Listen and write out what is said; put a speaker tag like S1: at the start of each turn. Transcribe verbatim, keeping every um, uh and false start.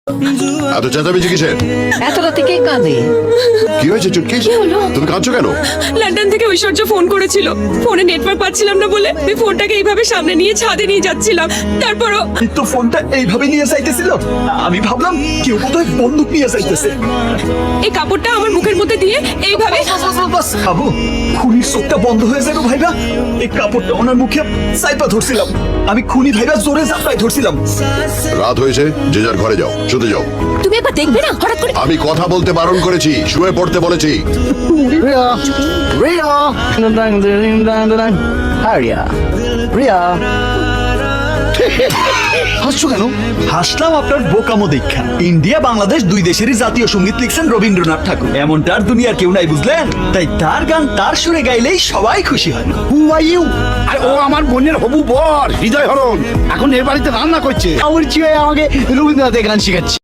S1: এত চেঁচামেচি কিসের?
S2: এত রাতে কে কাঁদে?
S1: কি হয়েছে চুটকি? তুমি কাঁদছো কেন?
S3: লন্ডন থেকে ঐশ্বর্য ফোন করেছিল। ফোনে নেটওয়ার্ক পাচ্ছিলাম না বলে আমি ফোনটাকে এইভাবে সামনে নিয়ে ছাদে নিয়ে যাচ্ছিলাম। তারপরও
S4: তো ফোনটা এইভাবে নিয়ে যাইতেছিল, আমি ভাবলাম কেউ বোধহয় বন্দুক নিয়ে যাইতেছে।
S3: এই কাপড়টা আমার মুখের মধ্যে দিয়ে এইভাবে
S4: বাস খাবো, খুনির চোখটা বন্ধ হয়ে যাবে ভাইবা। এই কাপড়টা ওনার মুখে সাইপা ধরছিলাম, আমি খুনি ভাইবা জোরে জাপটাই ধরছিলাম।
S1: রাত হয়েছে, যে যার ঘরে যাও, শুতে যাও।
S3: তুমি একবার দেখবে না হঠাৎ করে
S1: আমি কথা বলতে বারণ করেছি, শুয়ে পড়তে বলেছি।
S5: Ria, Ria, dang dang dang dang. Hi Ria, Ria. হাসছো কেন?
S4: হাসলাম আপনার বোকামো দীক্ষা। ইন্ডিয়া বাংলাদেশ দুই দেশেরই জাতীয় সঙ্গীত লিখছেন রবীন্দ্রনাথ ঠাকুর। এমনটা আর দুনিয়ার কেউ নাই, বুঝলেন? তাই তার গান তার সুরে গাইলেই সবাই খুশি হয়।
S5: Who are you? আর ও আমার বোনের হবু বর হৃদয় হরণ, এখন এর বাড়িতে রান্না করছে। আমার চিয়ে আমাকে রবীন্দ্রনাথের গান শেখাচ্ছে।